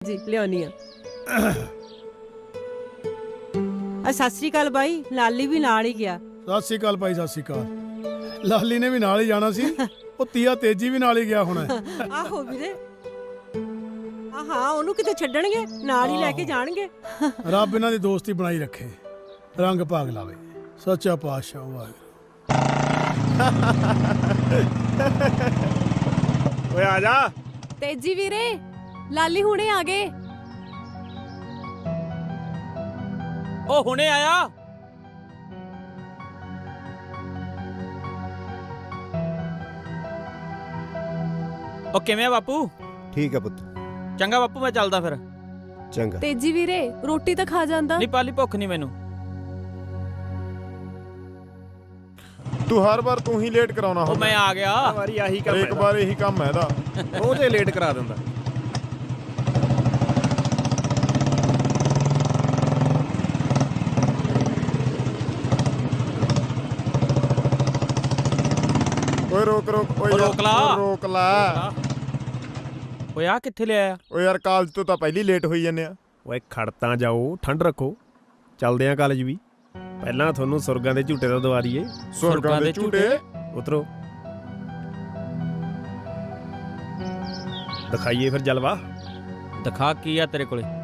ਜੀ ਲਿਆਉਣੀ ਆ। ਸਤਿ ਸ੍ਰੀ ਅਕਾਲ ਬਾਈ, ਲਾਲੀ ਵੀ ਨਾਲ ਹੀ ਗਿਆ। ਸਤਿ ਸ਼੍ਰੀ ਅਕਾਲ ਭਾਈ, ਸਤਿ ਸ਼੍ਰੀ ਅਕਾਲ। ਲਾਲੀ ਨੇ ਵੀ ਨਾਲ ਹੀ ਜਾਣਾ ਸੀ। ਉਹ ਤੀਆ ਤੇਜੀ ਵੀ ਨਾਲ ਹੀ ਗਿਆ ਹੋਣਾ। ਆਹੋ ਵੀਰੇ, ਹਾਂ ਉਹਨੂੰ ਕਿਤੇ ਛੱਡਣਗੇ, ਨਾਲ ਹੀ ਲੈ ਕੇ ਜਾਣਗੇ। ਰੱਬ ਇਹਨਾਂ ਦੀ ਦੋਸਤੀ ਬਣਾਈ ਰੱਖੇ, ਰੰਗ ਭਾਗ ਲਾਵੇ। ਸੱਚਾ ਪਾਤਸ਼ਾਹ ਵਾਹਿਗੁਰੂ। ਓਏ ਆ ਜਾ। ਤੇਜੀ ਵੀਰੇ, ਲਾਲੀ ਹੁਣੇ ਆ ਗਏ। ਉਹ ਹੁਣੇ ਆਇਆ। ਉਹ ਕਿਵੇਂ ਆ ਬਾਪੂ? ਠੀਕ ਹੈ ਪੁੱਤ। ਚੰਗਾ ਬਾਪੂ, ਮੈਂ ਚੱਲਦਾ ਫਿਰ। ਚੰਗਾ। ਤੇਜੀ ਵੀਰੇ, ਰੋਟੀ ਤਾਂ ਖਾ ਜਾਂਦਾ। ਨਹੀਂ ਪਾਲੀ, ਭੁੱਖ ਨਹੀਂ ਮੈਨੂੰ। ਤੂੰ ਹਰ ਵਾਰ ਤੂੰ ਹੀ ਲੇਟ ਕਰਾਉਣਾ ਉਹ ਮੈਂ ਆ ਗਿਆ। ਵਾਰੀ ਆਹੀ ਕੰਮ ਹੈ, ਇੱਕ ਵਾਰ ਇਹੀ ਕੰਮ ਹੈ ਇਹਦਾ। ਰੋਜ਼ ਲੇਟ ਕਰਾ ਦਿੰਦਾ। ਓਏ ਰੋਕ ਓਏ ਰੋਕ ਲਾ। ਰੋਕ ਲਾ। ਓਏ ਆ ਕਿੱਥੇ ਲਿਆਇਆ? ਓਏ ਯਾਰ ਕਾਲਜ ਤੋਂ ਤਾਂ ਪਹਿਲੀ ਲੇਟ ਹੋਈ ਜਾਂਦੇ ਆ। ਓਏ ਖੜਤਾਂ ਜਾਓ, ਠੰਡ ਰੱਖੋ, ਚੱਲਦੇ ਆਂ ਕਾਲਜ ਵੀ। ਪਹਿਲਾਂ ਤੁਹਾਨੂੰ ਸੁਰਗਾਂ ਦੇ ਝੂਟੇ ਦਾ ਦਵਾ ਦਈਏ। ਸੁਰਗਾਂ ਦੇ ਝੂਟੇ? ਉਤਰੋ, ਦਿਖਾਈਏ ਫਿਰ ਜਲਵਾ। ਦਿਖਾ ਕੀ ਆ ਤੇਰੇ ਕੋਲੇ?